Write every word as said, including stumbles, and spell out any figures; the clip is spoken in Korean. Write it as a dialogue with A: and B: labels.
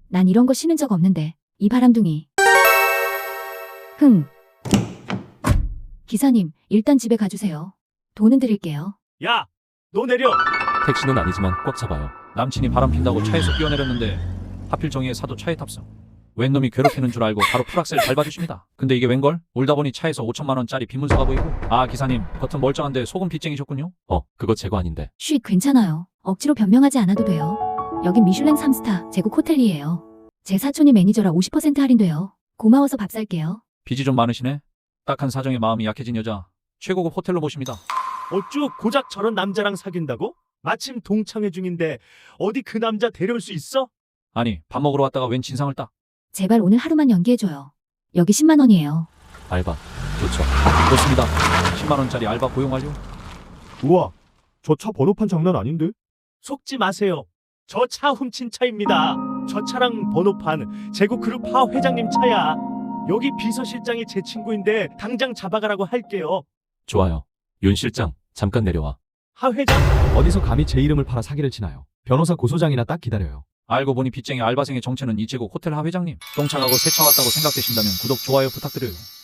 A: 난 이런 거 신은 적 없는데. 이 바람둥이. 흥. 기사님, 일단 집에 가주세요. 돈은 드릴게요.
B: 야, 너 내려.
C: 택시는 아니지만 꽉 잡아요.
B: 남친이 바람 핀다고 차에서 뛰어내렸는데 하필 정의의 사도 차에 탑승. 웬 놈이 괴롭히는 줄 알고 바로 풀악셀 밟아주십니다. 근데 이게 웬걸? 울다 보니 차에서 오천만 원짜리 빈문서가 보이고, 아 기사님, 겉은 멀쩡한데 속은 빚쟁이셨군요.
C: 어, 그거 제거 아닌데.
A: 쉿, 괜찮아요. 억지로 변명하지 않아도 돼요. 여긴 미슐랭 삼 스타 제국 호텔이에요. 제 사촌이 매니저라 오십 퍼센트 할인돼요. 고마워서 밥 살게요.
B: 빚이 좀 많으시네. 딱한 사정에 마음이 약해진 여자, 최고급 호텔로 모십니다.
D: 어쭈 고작 저런 남자랑 사귄다고? 마침 동창회 중인데 어디 그 남자 데려올 수 있어?
B: 아니, 밥 먹으러 왔다가 웬 진상을 딱.
A: 제발 오늘 하루만 연기해줘요. 여기 십만 원이에요.
C: 알바. 좋죠.
B: 좋습니다. 십만 원짜리 알바 고용 완료.
E: 우와, 저 차 번호판 장난 아닌데?
D: 속지 마세요. 저 차 훔친 차입니다. 저 차랑 번호판 제국그룹 하 회장님 차야. 여기 비서실장이 제 친구인데 당장 잡아가라고 할게요.
C: 좋아요. 윤 실장, 잠깐 내려와.
D: 하 회장?
F: 어디서 감히 제 이름을 팔아 사기를 치나요? 변호사 고소장이나 딱 기다려요.
B: 알고 보니 빚쟁이 알바생의 정체는 이제국 호텔 하 회장님. 똥차 가고 세차 왔다고 생각되신다면 구독, 좋아요 부탁드려요.